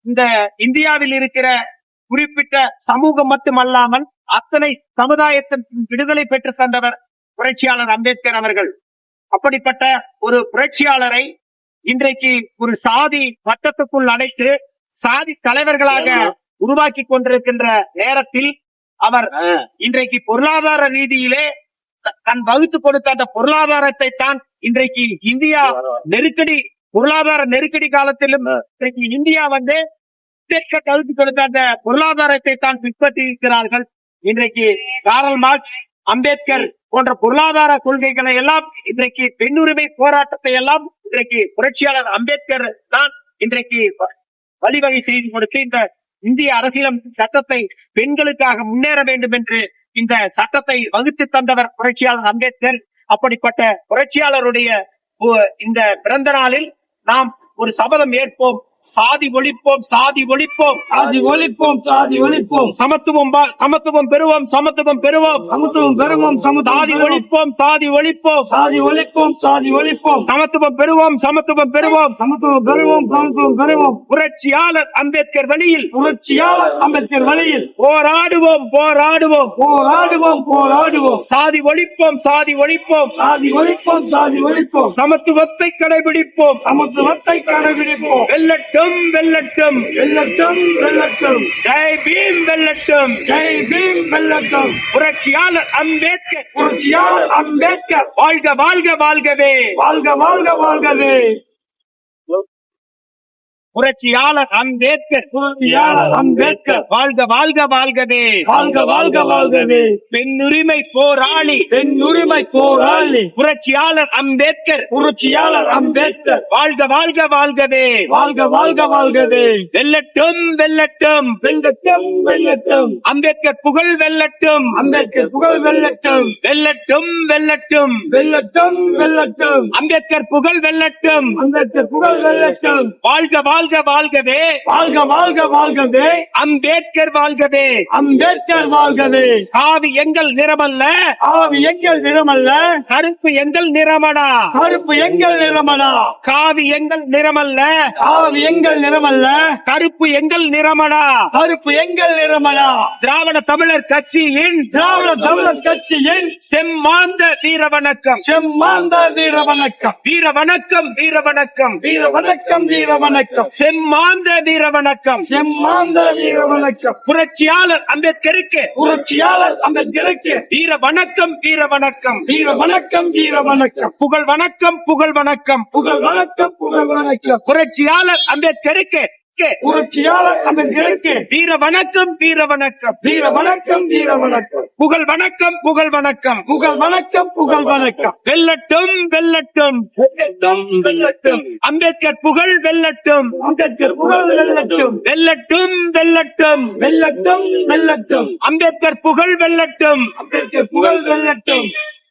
இந்த இந்தியாவில் இருக்கிற குறிப்பிட்ட சமூகம் மட்டுமல்லாமல் அத்தனை சமுதாயத்தின் விடுதலை பெற்று தந்தவர் புரட்சியாளர் அம்பேத்கர் அவர்கள். அப்படிப்பட்ட ஒரு புரட்சியாளரை இன்றைக்கு ஒரு சாதி வட்டத்துக்குள் அடைத்து சாதி தலைவர்களாக உருவாக்கி கொண்டிருக்கின்ற நேரத்தில் அவர் இன்றைக்கு பொருளாதார ரீதியிலே தன் வகுத்து கொடுத்த அந்த பொருளாதாரத்தை தான் இன்றைக்கு இந்தியா பொருளாதார நெருக்கடி காலத்திலும் இன்றைக்கு இந்தியா வகுத்து கொடுத்த அந்த பொருளாதாரத்தை தான் பின்பற்றி இருக்கிறார்கள். இன்றைக்கு காரல் மார்க்ஸ், அம்பேத்கர் போன்ற பொருளாதார கொள்கைகளை எல்லாம் இன்றைக்கு பெண்ணுரிமை போராட்டத்தை எல்லாம் இன்றைக்கு புரட்சியாளர் அம்பேத்கர் தான் இன்றைக்கு வழிவகை செய்து கொடுத்து இந்த இந்திய அரசியலமைப்பு சட்டத்தை பெண்களுக்காக முன்னேற வேண்டும் என்று இந்த சட்டத்தை வகுத்து தந்தவர் புரட்சியாளர் அம்பேத்கர். அப்படிப்பட்ட புரட்சியாளருடைய இந்த பிறந்த நாளில் நாம் ஒரு சபதம் ஏற்போம். சாதி ஒழிப்போம், சாதி ஒழிப்போம், சாதி ஒழிப்போம், சாதி ஒழிப்போம். சமத்துவம் பெறுவோம், சமத்துவம் பெறுவோம், சமத்துவம் பெறுவோம். சாதி ஒழிப்போம், சாதி ஒழிப்போம், சாதி ஒழிப்போம், சாதி ஒழிப்போம். சமத்துவம் பெறுவோம், சமத்துவம் பெறுவோம், சமத்துவம் பெறுவோம், சமத்துவம் பெறுவோம். புரட்சியாளர் அம்பேத்கர் வழியில், புரட்சியாளர் அம்பேத்கர் வழியில் போராடுவோம், போராடுவோம், போராடுவோம், போராடுவோம். சாதி ஒழிப்போம், சாதி ஒழிப்போம், சாதி ஒழிப்போம், சாதி ஒழிப்போம். சமத்துவத்தை கடைபிடிப்போம், சமத்துவத்தை கடைபிடிப்போம். வெல்லட்டும், வெல்லட்டும், வெல்லட்டும், வெல்லட்டும். ஜெய் பீம் வெல்லட்டும், ஜெய் பீம் வெல்லட்டும். புரட்சியாளர் அம்பேத்கர், புரட்சியாளர் அம்பேத்கர் வாழ்க வாழ்க வாழ்கவே, வாழ்க வாழ்க வாழ்கவே. புரட்சியாளர் அம்பேத்கர், புரட்சியாளர் அம்பேத்கர் வாழ்க வாழ்க வாழ்கவே, வாழ்க வாழ்க வாழ்கவே. பெண்ணுரிமை போராளி, பெண்ணுரிமை போராளி புரட்சியாளர் அம்பேத்கர், புரட்சியாளர் அம்பேத்கர் வாழ்க வாழ்க வாழ்கவே, வாழ்க வாழ்க வாழ்கவே. வெல்லட்டும், வெல்லட்டும், வெல்லட்டும், வெல்லட்டும். அம்பேத்கர் புகழ் வெல்லட்டும், அம்பேத்கர் புகழ் வெல்லட்டும், வெல்லட்டும், வெல்லட்டும், வெல்லட்டும், வெல்லட்டும். அம்பேத்கர் புகழ் வெல்லட்டும், அம்பேத்கர் புகழ் வெல்லட்டும். வாழ்க வாழ்க வாழ்கவே, வாழ்க வாழ்க வாழ்கவே, அம்பேத்கர் வாழ்கவே, அம்பேத்கர் வாழ்கவே. காவி எங்கள் நிறமல்ல, ஆவி எங்கள் நிறமல்ல, கருப்பு எங்கள் நிறமடா, கருப்பு எங்கள் நிறமடா. காவி எங்கள் நிறமல்ல, ஆவி எங்கள் நிறமல்ல, கருப்பு எங்கள் நிறமடா. கருப்பு எங்கள் நிறமடா. திராவிட தமிழர் கட்சியின், திராவிட தமிழர் கட்சியின் செம்மாந்த வீர வணக்கம், செம்மாந்த வீர வணக்கம், வீர வணக்கம், வீர வணக்கம், வீர வணக்கம், வீர வணக்கம், செம்மாந்த வீர வணக்கம். செம்மாந்த வீர வணக்கம். புரட்சியாளர் அம்பேத்கருக்கு, புரட்சியாளர் அம்பேத்கருக்கு வீர வணக்கம், வீர வணக்கம், வீர வணக்கம், வீர வணக்கம். புகழ் வணக்கம், புகழ் வணக்கம், புகழ் வணக்கம், புகழ் வணக்கம். புரட்சியாளர் அம்பேத்கருக்கு புரட்சியாளர் அம்பேத்கருக்கு வீர வணக்கம், வீர வணக்கம், வீர வணக்கம், வீர வணக்கம். புகழ் வணக்கம், புகழ் வணக்கம், புகழ் வணக்கம், புகழ் வணக்கம். வெல்லட்டும், வெல்லட்டும், வெல்லட்டும், வெல்லட்டும். அம்பேத்கர் புகழ் வெல்லட்டும், அம்பேத்கர் புகழ் வெல்லட்டும், வெல்லட்டும், வெல்லட்டும், வெல்லட்டும், வெல்லட்டும். அம்பேத்கர் புகழ் வெல்லட்டும், அம்பேத்கர் புகழ் வெல்லட்டும்.